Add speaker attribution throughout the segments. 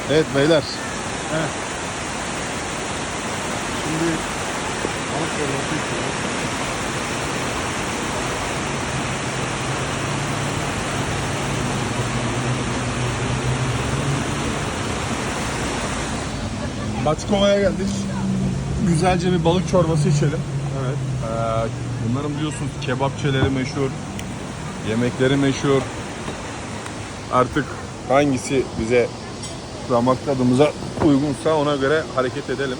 Speaker 1: Evet beyler.
Speaker 2: Evet. Şimdi balık çorbası içiyoruz.
Speaker 1: Batkova'ya geldik. Güzelce bir balık çorbası içelim.
Speaker 2: Evet.
Speaker 1: Bunların biliyorsunuz kebapçeleri meşhur. Yemekleri meşhur. Artık hangisi bize damak tadımıza uygunsa ona göre hareket edelim.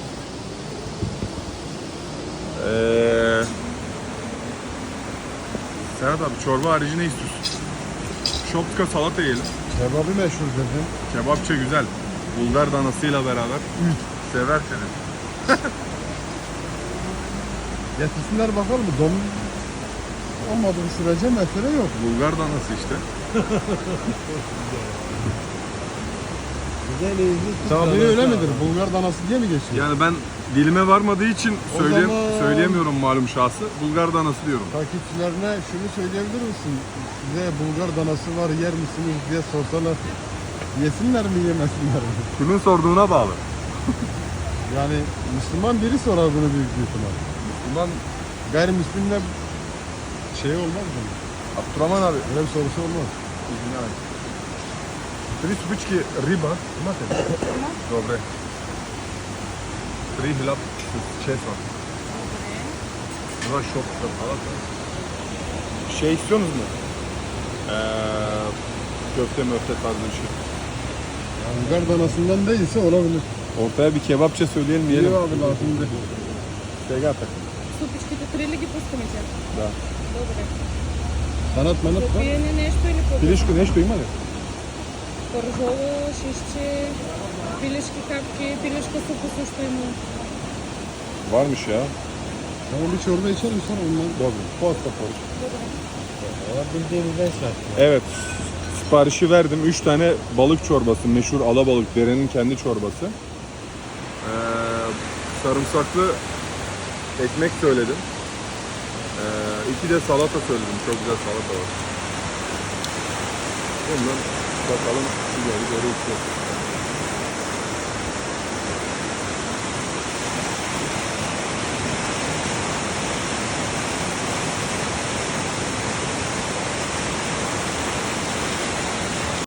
Speaker 1: Serhat abi çorba harici ne istiyorsun? Şopka salata yiyelim.
Speaker 2: Kebabı meşhur dedim.
Speaker 1: Kebapçı güzel. Bulgar danasıyla beraber. Sever seni.
Speaker 2: Getirsinler bakalım. Dom olmadığı sürece mesele yok.
Speaker 1: Bulgar danası işte.
Speaker 2: Tabii öyle midir? Bulgar danası diye mi geçiyor?
Speaker 1: Yani ben dilime varmadığı için
Speaker 2: O zaman-
Speaker 1: söyleyemiyorum malum şahsı. Bulgar danası diyorum.
Speaker 2: Takipçilerine şunu söyleyebilir misin? Size Bulgar danası var yer misiniz diye sorsalar yesinler mi yemesinler mi?
Speaker 1: Kimin sorduğuna bağlı.
Speaker 2: Yani Müslüman biri sorar bunu büyük bir ihtimal.
Speaker 1: Bundan
Speaker 2: Gayrimüslimle şey olmaz mı?
Speaker 1: Abdurrahman abi.
Speaker 2: Öyle bir sorusu olmaz.
Speaker 1: Извинявай. Три спички риба. Имате ли? Добре. Три хляб с чеснок. Два шопка салата. Şey istiyorsunuz mu? Köfte möfte tarzı bir şey.
Speaker 2: Yani Bulgar danasından değilse olabilir.
Speaker 1: Ortaya bir kebapça söyleyelim yiyelim.
Speaker 2: İyi abi lazımdı.
Speaker 1: Сегата.
Speaker 3: Супичките 3 ли ги пускаме тя?
Speaker 1: Да.
Speaker 3: Добре.
Speaker 2: Sanat manat
Speaker 3: За
Speaker 2: var.
Speaker 3: пиене нещо или по
Speaker 1: Пилешко нещо има ли?
Speaker 3: пържола, шишче, пилешки капки, пилешка супа също има.
Speaker 1: Varmış ya.
Speaker 2: Tamam bir çorba içelim sonra ondan.
Speaker 1: Добре. Posta poruç.
Speaker 2: Valla bildiğimiz beş
Speaker 1: Evet. Siparişi verdim. 3 tane balık çorbası. Meşhur alabalık. Derenin kendi çorbası. Sarımsaklı ekmek söyledim. 2 de salata söyledim. Çok güzel salata var. Bundan bakalım. Doğru içiyoruz.